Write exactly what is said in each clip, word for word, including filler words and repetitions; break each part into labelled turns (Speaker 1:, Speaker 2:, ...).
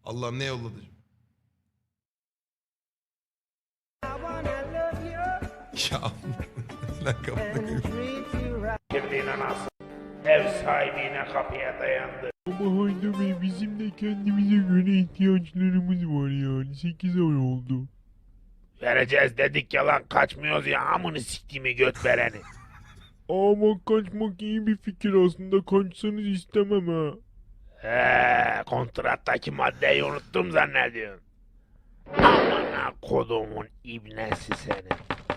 Speaker 1: Allah'ım ne yolladı? Ya lan kafana koyayım.
Speaker 2: Girdiğine nasıl? Ev sahibine kapıya dayandı.
Speaker 3: Ama Hayda Bey bizim de kendimize göre ihtiyaçlarımız var yani. sekiz ay oldu.
Speaker 2: Vereceğiz dedik yalan kaçmıyoruz ya amını siktiğimi göt vereni.
Speaker 3: Ama kaçmak iyi bir fikir aslında. Kaçsanız istemem ha.
Speaker 2: He, kontrattaki maddeyi unuttum zannediyorsun. Amına kodumun ibnesi senin.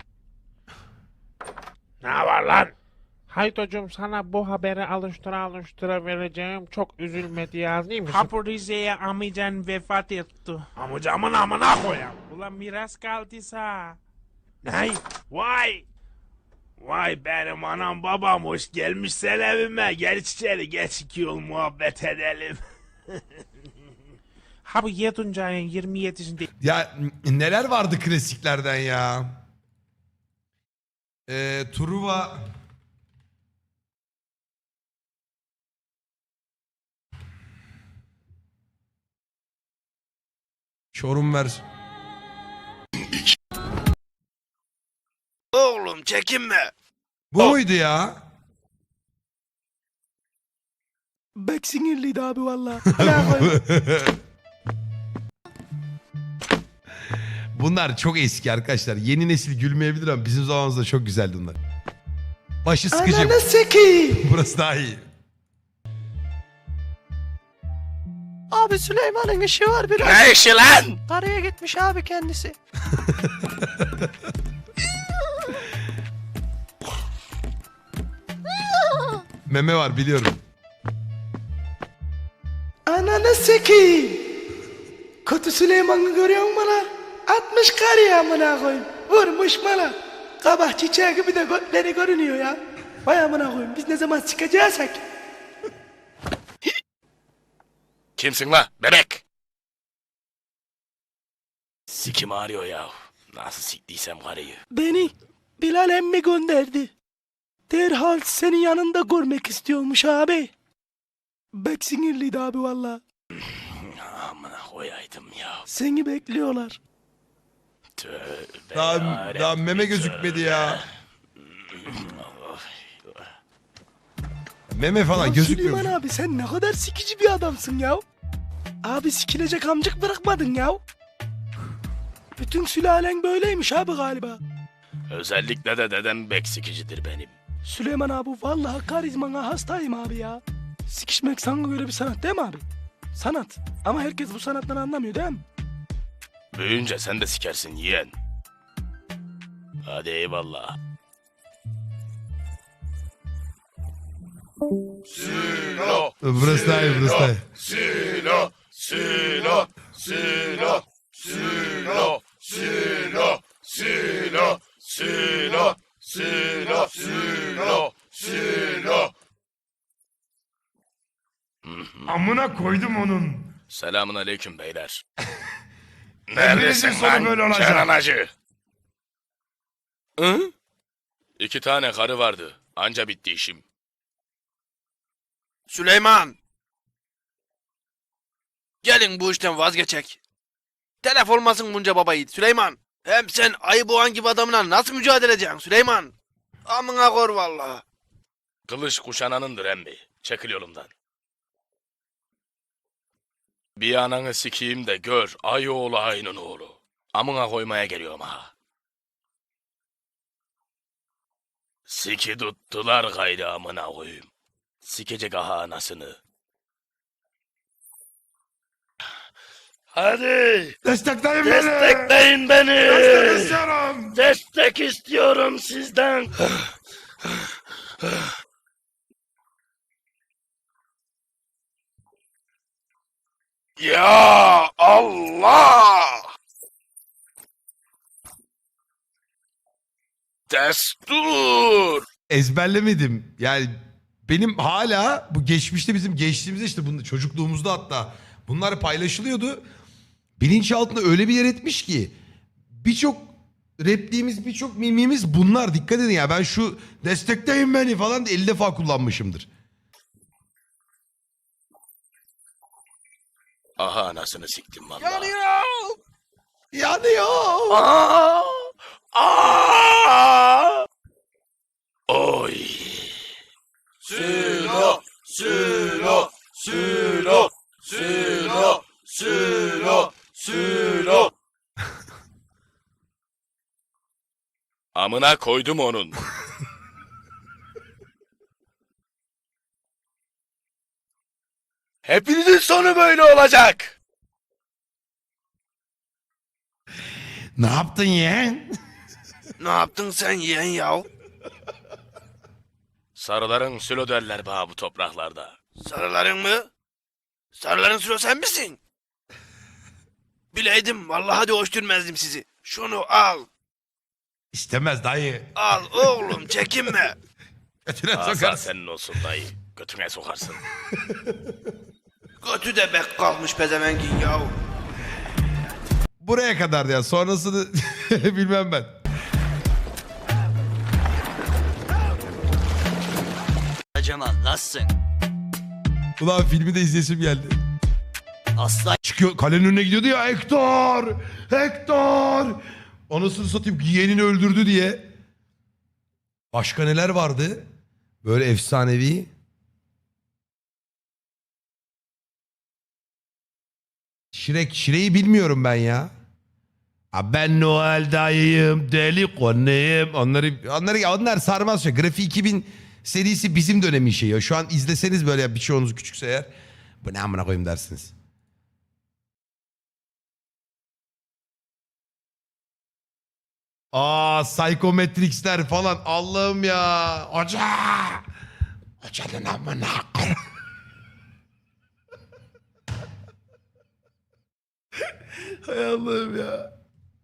Speaker 2: Ne var lan?
Speaker 4: Haydocuğum sana bu haberi alıştıra alıştıra vereceğim. Çok üzülme diye yazayım. Kapı Rize'ye amcan vefat etti.
Speaker 2: Amcamın amına koyam.
Speaker 4: Ulan miras kaldıysa.
Speaker 2: Ney? Vay! Vay benim anam babam hoş gelmişsen evime. Gel içeri geç iki yol muhabbet edelim.
Speaker 4: Ha bu yedinci ayın yirmi yedisinde
Speaker 1: Ya neler vardı klasiklerden ya? Ee, Truva... Çorum ver.
Speaker 2: Oğlum çekinme.
Speaker 1: Bu muydu ya?
Speaker 5: Bek sinirliydi abi valla.
Speaker 1: Bunlar çok eski arkadaşlar. Yeni nesil gülmeyebilir ama bizim zamanımızda çok güzeldi bunlar. Başı sıkıcı.
Speaker 5: Ananı sikeyim.
Speaker 1: Burası daha iyi.
Speaker 5: Abi Süleyman'ın işi var biraz.
Speaker 2: Ne işi lan?
Speaker 5: Karaya gitmiş abi kendisi.
Speaker 1: Meme var biliyorum.
Speaker 5: Ananı sikeyim. Kötü Süleyman'ı görüyor musun lan? Atmış karıya amına koyayım. Vurmuş mala. Kabak çiçeği gibi de götleri görünüyor ya. Vay amına koyayım biz ne zaman çıkacaksak.
Speaker 6: Kimsin la bebek? Sikim ağrıyor ya. Nasıl siktiysem karıyı.
Speaker 5: Beni Bilal emmi gönderdi. Derhal senin yanında görmek istiyormuş abi. Bek sinirliydi abi valla.
Speaker 6: Amına koyaydım ya.
Speaker 5: Seni bekliyorlar.
Speaker 6: Tövbe
Speaker 1: Daha,
Speaker 6: yarabbim,
Speaker 1: daha meme gözükmedi ya. Meme falan
Speaker 5: Ya
Speaker 1: gözükmüyor.
Speaker 5: Süleyman abi sen ne kadar sikici bir adamsın ya. Abi sikilecek amcık bırakmadın ya. Bütün sülalen böyleymiş abi galiba.
Speaker 6: Özellikle de dedem bek sikicidir benim.
Speaker 5: Süleyman abi vallahi karizmana hastayım abi ya. Sikişmek sana göre bir sanat değil mi abi? Sanat. Ama herkes bu sanattan anlamıyor değil mi?
Speaker 6: Büyüyünce sen de sikersin yeğen. Hadi eyvallah. Sülo,
Speaker 1: Burası daha iyi, burası daha iyi.
Speaker 6: Sülo, Sülo, Sülo, Sülo, Sülo, Sülo, Sülo, Sülo, Sülo, Sülo.
Speaker 2: Amına koydum onun.
Speaker 6: Selamun aleyküm beyler.
Speaker 2: Hepinizin
Speaker 6: Neredesin
Speaker 2: sonu
Speaker 6: lan
Speaker 2: böyle olacak.
Speaker 6: Kenan Hacı? Hı? İki tane karı vardı. Anca bitti işim.
Speaker 7: Süleyman! Gelin bu işten vazgeçek. Telef olmasın bunca baba yiğit Süleyman. Hem sen ayı boğan gibi adamla nasıl mücadele edeceksin Süleyman? Amına kor vallahi.
Speaker 6: Kılıç kuşananındır emmi. Çekil yolumdan. Bir ananı sikeyim de gör ayı oğlu ayının oğlu. Amına koymaya geliyorum ha. Siki tuttular gayrı amına koyayım. Sikecek aha anasını. Hadi
Speaker 2: Destekleyin beni.
Speaker 6: destekleyin beni.
Speaker 2: Destek istiyorum.
Speaker 6: Destek istiyorum sizden. Ya Allah! Destur!
Speaker 1: Ezberlemedim. Yani benim hala bu geçmişte bizim gençliğimizde işte bunu çocukluğumuzda hatta bunlar paylaşılıyordu. Bilinçaltında öyle bir yer etmiş ki birçok repliğimiz, birçok mimimiz bunlar. Dikkat edin ya, ben şu destekleyin beni falan diye elli defa kullanmışımdır.
Speaker 6: Aha anasını siktim valla.
Speaker 7: Yanıyor.
Speaker 1: Yanıyor.
Speaker 6: Aa! Aa! Oy. Sülo, sülo, sülo, sülo, sülo, sülo. Amına koydum onun. Hepinizin sonu böyle olacak.
Speaker 1: Ne yaptın yeğen?
Speaker 7: Ne yaptın sen yeğen yav?
Speaker 6: Sarıların sülo derler bana bu topraklarda.
Speaker 7: Sarıların mı? Sarıların sülo sen misin? Bileydim vallahi de hoş görmezdim sizi. Şunu al.
Speaker 1: İstemez dayı.
Speaker 7: Al oğlum çekinme.
Speaker 1: Götüne
Speaker 6: Asa
Speaker 1: sokarsın.
Speaker 6: senin olsun dayı. Götüne sokarsın.
Speaker 7: Götü de bek kalmış pezevengin yav.
Speaker 1: Buraya kadar ya. Sonrasını bilmem ben.
Speaker 8: Cemal nasılsın?
Speaker 1: Ulan filmi de izleyesim geldi.
Speaker 8: Aslan
Speaker 1: Çıkıyor kalenin önüne gidiyordu ya. Hector! Hector! Anasını satayım yeğenini öldürdü diye. Başka neler vardı? Böyle efsanevi. Şirek, Şirek'i bilmiyorum ben ya. Ha ben Noel dayıyım, deli konuyum. Onları, onları, onlar sarmaz şey. Grafik iki bin serisi bizim dönemin şeyi. ya. Şu an izleseniz böyle birçoğunuz küçükse eğer. Bu ne amına koyayım dersiniz. Aa, Psychometrics'ler falan. Allah'ım ya. Hoca. Hocanın amına koyayım. Hay Allah'ım ya.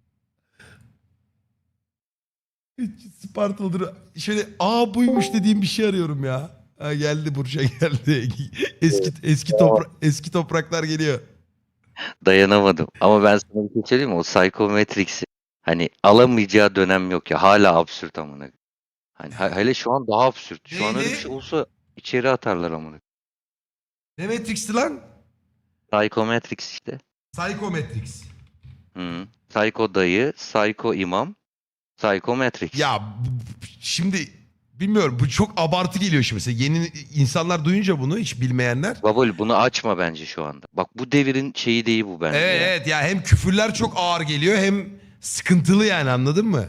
Speaker 1: Hiç Spartalıdır. Şöyle aa buymuş dediğim bir şey arıyorum ya. Ha, geldi Burç'a geldi. Eski eski topra eski topraklar geliyor.
Speaker 9: Dayanamadım. Ama ben sana bir şey söyleyeyim mi? O Psychometrics'i hani alamayacağı dönem yok ya. Hala absürt amına. Hani he- hele şu an daha absürt. Şu an öyle bir
Speaker 1: Neydi?
Speaker 9: şey olsa içeri atarlar amına.
Speaker 1: Ne Matrix'ti lan?
Speaker 9: Psychometrics işte.
Speaker 1: Psychometrics.
Speaker 9: Hı. Psycho dayı, Psycho imam, Psychometrics.
Speaker 1: Ya bu- bu- şimdi bilmiyorum bu çok abartı geliyor şimdi. Mesela yeni insanlar duyunca bunu hiç bilmeyenler.
Speaker 9: Babol bunu açma bence şu anda. Bak bu devirin şeyi değil bu bence.
Speaker 1: Evet
Speaker 9: ya.
Speaker 1: evet ya hem küfürler çok ağır geliyor hem sıkıntılı yani anladın mı?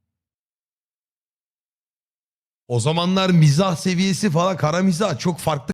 Speaker 1: O zamanlar mizah seviyesi falan kara mizah çok farklı